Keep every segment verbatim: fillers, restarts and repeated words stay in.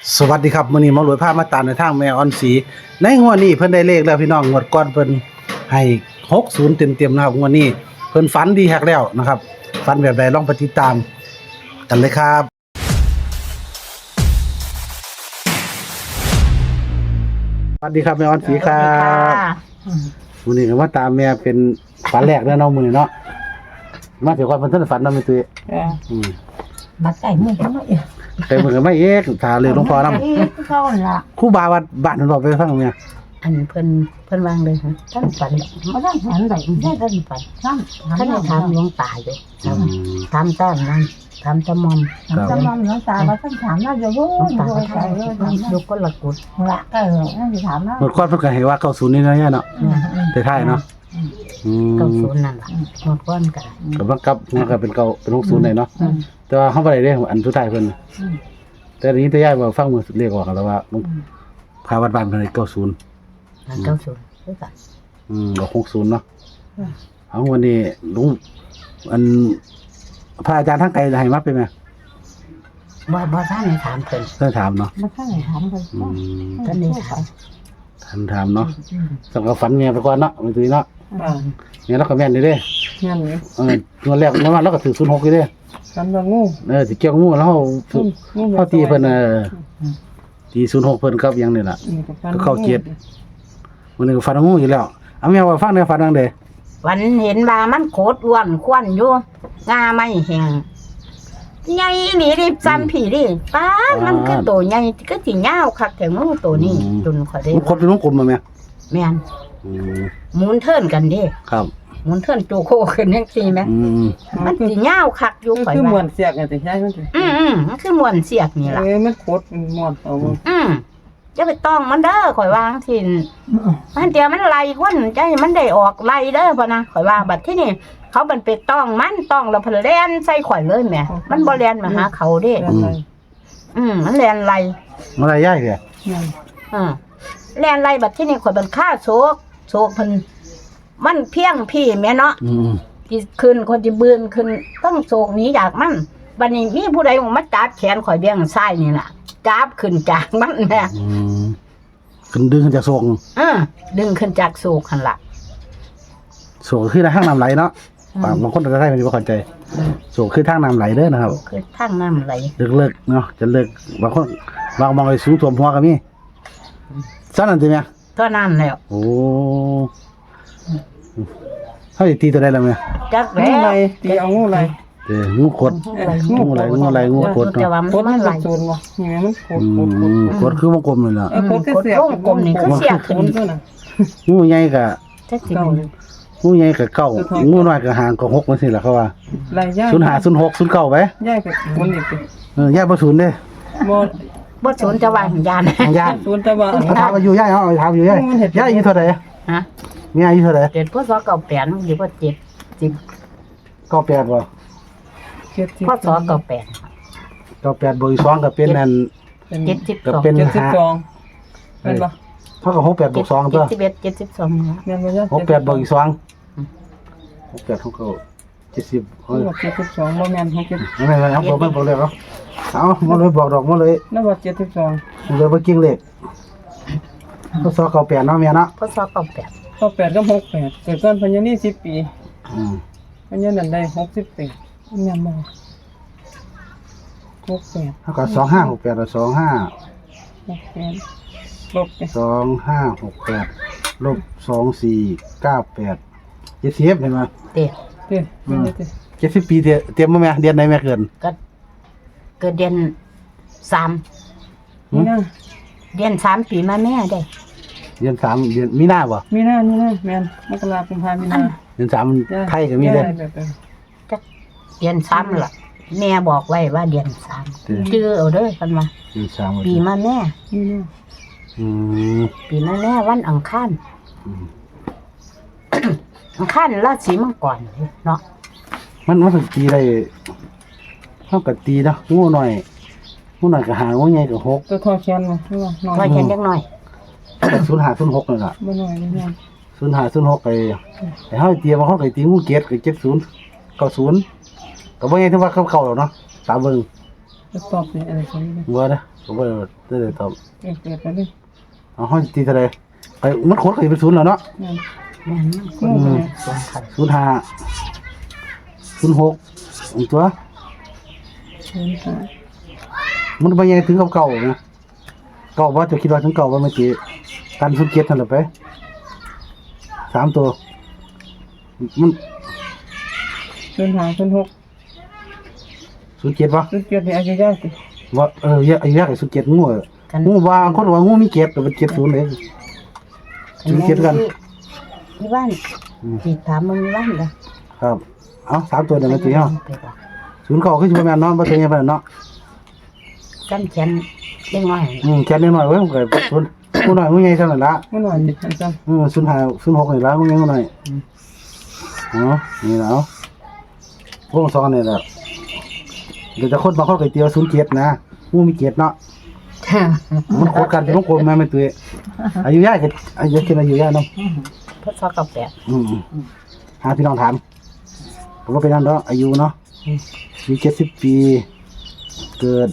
สวัสดีครับมื้อนี้หมอหลวยพามาตามในทางแม่ออนสีในงวดนี้เพิ่นได้เลขแล้วพี่น้องงวดก่อนเพิ่นให้หกสิบเต็มๆนะครับงวดนี้เพิ่นฝันดีฮักแล้วนะครับฝันแบบใดลองไปติดตามกันเลยครับสวัสดีครับแม่ออนสีครับมื้อนี้ก็มาตามแม่เป็นฝันแรกแล้วเนาะมื้อนี้เนาะมาเดี๋ยวก่อนเพิ่นทันฝันเนาะแม่ตุ้ยเอออืมบัดไก่มือเขาไม่เองแต่มือไม่เอกถ้าเลยหลวงพ่อนำเขาละครูบาวัดบ้านเพิ่นบอกไปฟังแม่อันเพิ่นเพิ่นวางเลยฮะท่านฝันบ่ได้ฝันได้ได้ท่านฝันท่านท่านถามหลวงตาอยู่ถามต้นนั่นถามตะมอมตะมอมหลวงตาว่าท่านถามว่าอยู่บ่ตาใส่เลยอยู่คนละกุดละก็นั่นสิถามว่าหมดก่อนเพิ่นก็ให้ว่าเก้าสิบนี่เนาะเนาะแต่ท้ายเนาะอืมเก้าสิบนั่นล่ะหมดก่อนก็ก็บังคับมันก็เป็นเก้าเป็นหกสิบได้เนาะแต่ว่าเฮาบ่ได้เด้อันสุดท้ายเพิ่นแต่นี้แต่ยายว่าฟังมือเรียกออกแล้วว่าพาวัดบ้านเพิ่นให้เก้าสิบเก้าสิบคือกันอืมก็หกสิบเนาะเอาวันนี้ลุงอันพระอาจารย์ทางไกลให้มาเป็นมั้ยบ่บ่ท่านได้ถามเพิ่นเพิ่นถามเนาะบ่ท่านได้ถามเพิ่นท่านได้ถามท่านถามเนาะสำหรับฝันแม่ไปก่อนเนาะมื้อนี้เนาะเนี่ยเราก็แม่นอยู่เด้แม่นอยู่เอองวดแรกงวดมาเราก็ถือศูนย์หกอยู่เด้กันว่างูเออสิเกี่ยวงูแล้วเฮาเฮาตีเพิ่นเออตีศูนย์หกเพิ่นกับหยังนี่ล่ะก็เข้าเจ็ดมื้อนี้ก็ฝันงูอยู่แล้วเอาแม่ว่าฟังได้ฝันจังได๋วันเห็นว่ามันโคตรอ้วนควันอยู่งาไม่แห้งใหญ่นี่ดิซ้ำผีดิป้ามันคือตัวใหญ่ก็สิยาวคักแต่งูตัวนี้จนข่อยได้มันคดเป็นวงกลมบ่แม่แม่นอืมหมุนเทินกันเด้ครับหมุนเทินโจโคขึ้นจังซี่แม่อืมมันสิยาวคักอยู่ข่อยว่าคือม่วนเสียกจังซี่ใช่มันสิอือๆมันคือม่วนเสียกนี่ล่ะเอ้มันโคตรม่วนเอาอือจะไปต้องมันเด้อข่อยวาจังซี่มันเดี๋ยวมันไล่คนใจมันได้ออกไล่เด้อพ่นนะข่อยว่าบัดที่นี่เขามันไปต้องมันต้องแล้วเพิ่นแล่นใส่ข่อยเลยแหมมันบ่แล่นมาหาเขาเด้อืมมันแล่นไล่มันอะไรยายเด้ออือแล่นไล่บัดที่นี่ข่อยมันฆ่าโศกโศกเพิ่นมันเพียงพี่แม่เนาะอือที่ขึ้นคนที่บืนขึ้นต้องโศกหนีจากมันบัดนี้มีผู้ใดมาจับแขนข่อยเบี้ยงซ้ายนี่ล่ะจับขึ้นจากมันแม่อืมขึ้นดึงขึ้นจากโศกเออดึงขึ้นจากโศกหั่นล่ะโศกคือทางน้ำไหลเนาะบางคนจะได้ไม่เข้าใจโศกคือทางน้ำไหลเด้อนะครับคือทางน้ำไหลเลิกๆเนาะจะเลิกบางคนบางมองไปสูงท่วมหัวก็มีซั่นนั่นติแม่เท่านั้นแล้วโอ้เฮาสิตีตัวใดล่ะแม่จักแล้วอะไรตีเอางูอะไรเด้องูกดงูอะไรงูอะไรงูกดเนาะกดมันไหลโซนบ่นี่มันโคตรโคตรกดคือวงกลมนี่ล่ะเออโคตรเสียกกลมนี่คือเสียขึ้นงูใหญ่ก็จักสิงูใหญ่ก็เก้างูน้อยก็หางก็หกจังซี่ล่ะเขาว่าหลายอย่างศูนย์ห้า ศูนย์หก ศูนย์เก้าไปย้ายไปคนอีกเออย่าบ่ศูนย์เด้บ่บ่ศูนย์จะว่าญาณญาณศูนย์จะว่าถามอายุยายเฮาถามอายุยายยายอายุเท่าใดฮะมีอายุเท่าใดเจ็ดพศเก้าแปดหรือว่าเจ็ดสิบเก้าแปดบ่พศเก้าแปดเก้าแปดบวกอีกสองก็เป็นนั่นเจ็ดสิบสองก็เป็นเจ็ดสิบสองแม่นบ่เท่ากับหกแปดบวกสองตัวเจ็ดสิบเอ็ด เจ็ดสิบสองแม่นบ่จ๊ะหกแปดบวกอีกสองหกแปดเท่ากับเจ็ดสิบเฮ้ยเจ็ดสิบสองบ่แม่นหกสิบไม่เป็นไรครับบ่บ่เลยเนาะเอาบ่เลยบอกดอกบ่เลยนั่นว่าเจ็ดสิบสองเลยบ่กิ้งเลขพศเก้าแปดเนาะแม่เนาะพศเก้าแปดเก้าแปดกับหกแปดเกิดก่อนพญานี่สิบปีอืมพญานั่นได้หกสิบปีแม่นบ่หกแปดเท่ากับสองห้าหกแปดแล้วสองห้าหกแปดลบสองห้าหกแปดลบสองสี่เก้าแปดเจ็ดสิบเห็นมั้ยเด้เด้เป็นจังซี่เจ็ดสิบปีเตรียมบ่แม่เดือนไหนแม่เกิดก็เกิดเดือนสามมีนาเดือนสามปีมาแม่ได้เดือนสามเดือนมีนาบ่มีนามีนาแม่นมกราคมกุมภาพันธ์มีนาเดือนสามไทยก็มีเด้จักเดือนสามล่ะแม่บอกไว้ว่าเดือนสามชื่อเอาเด้อเพิ่นว่าเดือนสามปีมาแม่มีนาอืมปีมาแม่วันอังคารอังคารราศีมังกรเนาะมันมันตีได้เท่ากับตีนะงูหน่อยงูหน่อยก็หางูใหญ่ก็หกตัวทอแขนบ่คือว่าน้อยทอแขนจักหน่อยศูนย์ห้า ศูนย์หกนั่นล่ะบ่น้อยเลยนะศูนย์ห้า ศูนย์หกไอ้ไอ้เฮาเตรียมมาเฮาก็ตีงูเกตก็เจ็ดสิบ เก้าสิบก็บ่ใหญ่ถึงว่าเข้าๆหรอกเนาะตามเบิ่งจะตอบเนี่ยอะไรเขาเนี่ยบ่นะผมบ่ได้ได้ตอบเกิดเกิดไปเลยเอาห้อยตีเท่าไหร่ไปมันโคตรก็เป็นศูนย์แล้วเนาะนั่นแม่นงูไปเลยสองพันศูนย์ห้าศูนย์หกอีกตัวเชิญค่ะมันบ่ใหญ่ถึงกับเก่านะเก่าบ่จะคิดว่าถึงเก่าบ่เมื่อกี้กันศูนย์เจ็ดนั่นแหละไปสามตัวมันเชิญหาเชิญหกศูนย์เจ็ดบ่เชิญเกิดในอายุยากสิว่าเออเยอะอายุยากกับศูนย์เจ็ดงูอะงูว่าคนว่างูมีเจ็ดก็เป็นเจ็ดศูนย์เลยศูนย์เจ็ดกันที่บ้านที่ถามมึงที่บ้านเลยครับเอาสามตัวเดี๋ยวมาตีเอาไปก่อนศูนย์เก่าคือสิบ่แม่นเนาะบ่เคยเห็นปานนั้นเนาะกันเขียนเล็กน้อยอืมแค่นิดหน่อยเว้ยมันก็ศูนย์งูน้อยงูใหญ่เท่านั้นละเมื่อหน่อยจิตอาจารย์อืมศูนย์ห้าศูนย์หกนี่ละงูใหญ่งูน้อยเนาะนี่แล้วพวกสองนี่แหละเดี๋ยวจะคนบางคนก็เตียวศูนย์เจ็ดนะงูมีเจ็ดเนาะมันโคตรกันเป็นวงกลมแม่ไม่ตัวอายุยากก็อายุกินอายุยากเนาะพศเก้าแปดอืมหาพี่น้องถามผมก็เป็นนั่นเนาะอายุเนาะมีเจ็ดสิบปี เกิด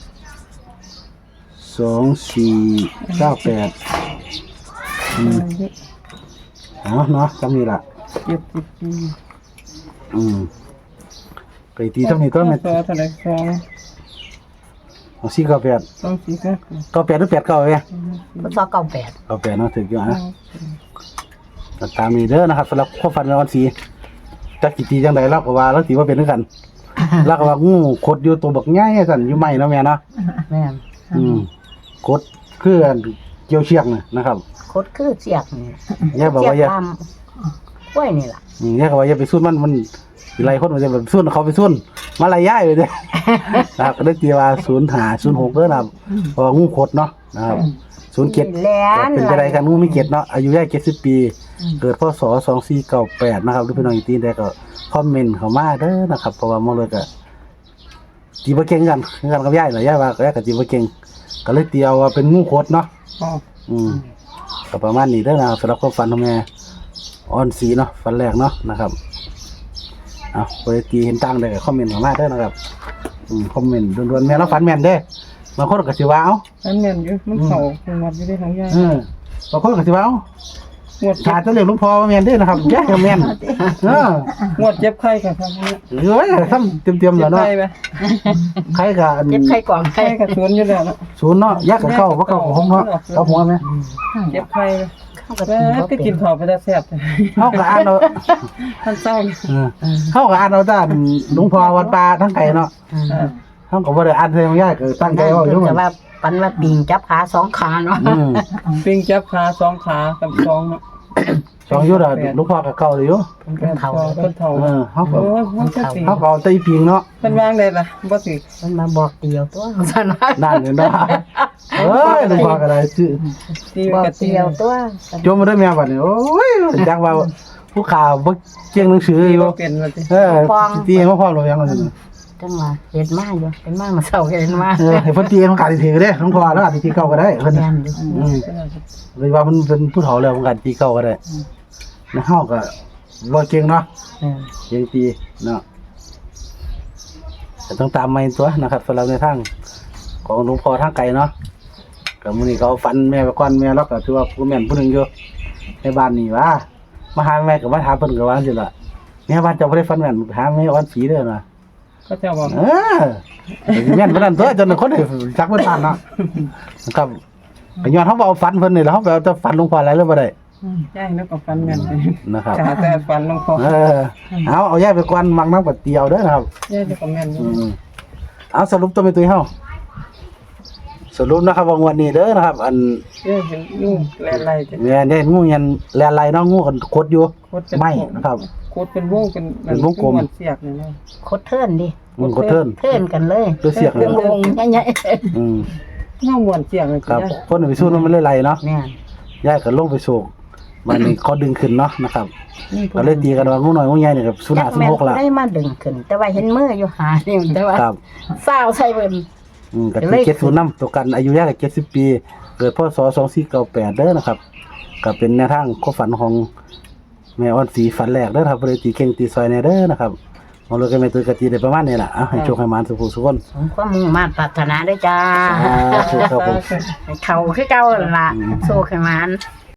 สองสี่เก้าแปดอืมเอาเนาะจำนี่ละเจ็ดสิบปีอืมไปตีเท่านี้ก็แม่นสองเท่าไหร่สองเอาสี่เก้าแปดสองสี่เก้าเก้าแปดหรือแปดเก้าเอ้ยพศเก้าแปดเก้าแปดเนาะถึงอยู่นะตามนี้เด้อนะครับสำหรับข้อฟันในวันสีจักกี่ตีจังใดเราก็ว่าแล้วตีว่าเป็นด้วยกันเราก็ว่างูขดอยู่ตัวบักง่ายสั่นอยู่ใหม่เนาะแม่เนาะแม่นอืมกดคือเกี่ยวเชือกน่ะนะครับโคตรคือเสียกนี่แย่บอกว่าอย่าตามกล้วยนี่ล่ะอืมแย่บอกว่าอย่าไปสู้มันมันสิไล่คนมันจะแบบสู้เขาไปสู้มาไล่ย้ายไปเด้อ นะครับก็ได้ตีว่าศูนย์หาศูนย์หกเด้อนะครับเพราะว่างูขดเนาะนะครับศูนย์เจ็ดแหลก็นเป็นไปได้กันงูมีเจ็ดเนาะอายุย่ายเจ็ดสิบปี เกิดพศสองสี่เก้าแปดนะครับหรือพี่น้องอีกทีได้ก็คอมเมนต์เข้ามาเด้อนะครับเพราะว่ามองเลยก็ตีบ่เก่งกันคือกันกับย่ายเหรอย่ายว่าก็ย่ายก็ตีบ่เก่งก็เลยตีเอาว่าเป็นงูขดเนาะอ๋ออืมก็ประมาณนี้เด้อนะครับสำหรับความฝันของแม่ออนสีเนาะฝันแรกเนาะนะครับเอาไปตีเห็นตั้งได้ก็คอมเมนต์เข้ามาเด้อนะครับอืมคอมเมนต์ด่วนๆแม่เราฝันแม่นเด้บางคนก็สิว่าเอ้าอันแม่นอยู่มันเข่าเป็นวัดอยู่ได้ทั้งยากเออบางคนก็สิว่าเอ้างวดขาดจะเรียกหลวงพ่อว่าแม่นเด้อนะครับแย่ก็แม่นเอองวดเจ็บไข้ค่ะครับเนี่ยเอ้ยทำเต็มๆเจ็แล้วบเนาะไข้ไหมใครก็อันเจ็บไข้กล่องไข้ไข้กับสวนอยู่แล้วเนาะศูนย์เนาะแยกกับเข้าบ่เข้ากับผมเนาะเอาหัวแม่เจ็บไข้ไหมเข้ากับแม่ตีบ่ก็เป็กินนข้าวไปแต่แซ่บเฮาก็อ่านเอาท่านเศร้าเออเฮาก็อ่านเอาด้านหลวงพ่อวัดป่าทั้งไกลเนาะอืมเฮาก็บ่ได้อ่านให้มันยากก็ตั้งใจเอาอยู่แต่ว่าปันว่าปิงจับขาสองขาเนาะอืมปิงจับขาสองขากับสองเนาะสองอยู่ดอกหลวงพ่อก็เข้าอยู่เป็นเท่าเป็นเท่าเออเฮาก็โอ้ยมันจะสิเฮาก็เอาแตอีปิงเนาะเป็นวางได้ล่ะบ่สิมันมาบอกเดียวตัวซะนะนั่นเห็นบ่เอ้ยหลวงพ่อก็ได้ชื่อตีบอกกะตีเดียวตัวจมมาได้แม่บัดนี้โอ้ยจักว่าผู้ข่าวบ่เก่งหนังสืออยู่บ่เป็นว่าสิเออตีให้มาพร้อมหรือยังว่าซั่นจังว่าเห็นมาอยู่เห็นมามาเศร้าเห็นมาเออให้เพิ่นตีมันก็สิถือเด้หลวงพ่อแล้วอาจสิตีเก่าก็ได้เพิ่นแม่นอยู่อืมเลยว่ามันเป็นผู้เฒ่าแล้วมันก็ตีเก่าก็ได้แล้วเฮาก็บ่เก่งเนาะเออเก่งตีเนาะแต่ต้องตามมาอีกตัวนะครับสำหรับในทางของหลวงพ่อทางไกลเนาะก็มื้อนี้เขาฝันแม่ไปก่อนแม่แล้วก็ถือว่าผู้แม่นผู้หนึงอยู่ในบ้านนี่ว่ามาหาแม่ก็มาถามเพิ่นก็ว่าจังซี่ล่ะแม่บ้านเจ้าบ่ได้ฝันแม่นหาแม่อ่อนสีเด้อนะก็จะบอกเออแม่นบ่นั่นตัวจนคนได้จักบ่ทันเนาะนะครับก็ย้อนเฮาบ่เอาฝันเพิ่นนี่แหล้วเฮาไปเอาแต่ฝันหลวงพ่อหลายเลยบ่ได้ย่ายแล้วก็ฟันแม่นไปนะครับขาแต่ฟันลงคอเออเอาเอาย้ายไปก่อนมักน้ำกับเตียวเด้อนะครับย่ายแล้วก็แม่นอยู่อืมเอาสรุปตัวไม่ตุยเฮาสรุปนะครับว่างวดนี้เด้อนะครับ อันย่ายเห็นงูแลนไหลจ้ะแม่ได้งูยันแลนไหลเนาะงูกันคดอยู่โคตรเป็นไม่นะครับโคตรเป็นวงเป็นเป็นวงกลมเหอนเสียกนี่นะโคตรเทิร์นดิงูกดเทินเทิร์นกันเลยด้วยเสียงเลวย งวงใหญ่อืมเงาหมวนเสียกเลยครับย่ายคนไปสู้มันไม่เลยไหลเนาะๆแม่นย้ายกันลงไปโศกมันนี่เขาดึงขึ้นเนาะนะครับนี่ก็เลยตีกันว่างูน้อยงูใหญ่นี่กับสุนัขสุนัขละได้มาดึงขึ้น แต่ว่าเห็นมืออยู่หานี่แต่ว่าครับเศร้าใส่เบิ่นอืมก็คือเจ็ดศูนย์นำตัวกันอายุยากกับเจ็ดสิบปี เกิดพศสองสี่เก้าแปดเด้อนะครับก็เป็นแนวทางความฝันของแม่อ่อนสีฝันแรกเด้อครับบ่ได้ตีเก่งตีซอยแน่เด้อนะครับเอาเลยก็แม่ตุ้ยกะตีได้ประมาณนี้ล่ะเอาให้โชคให้หมานสุขสุขคนสมความมุ่งมา่ปรารถนาด้วยจ้าอ่าถูกครับผมเขาคือเก่านั่นล่ะโชคให้มัน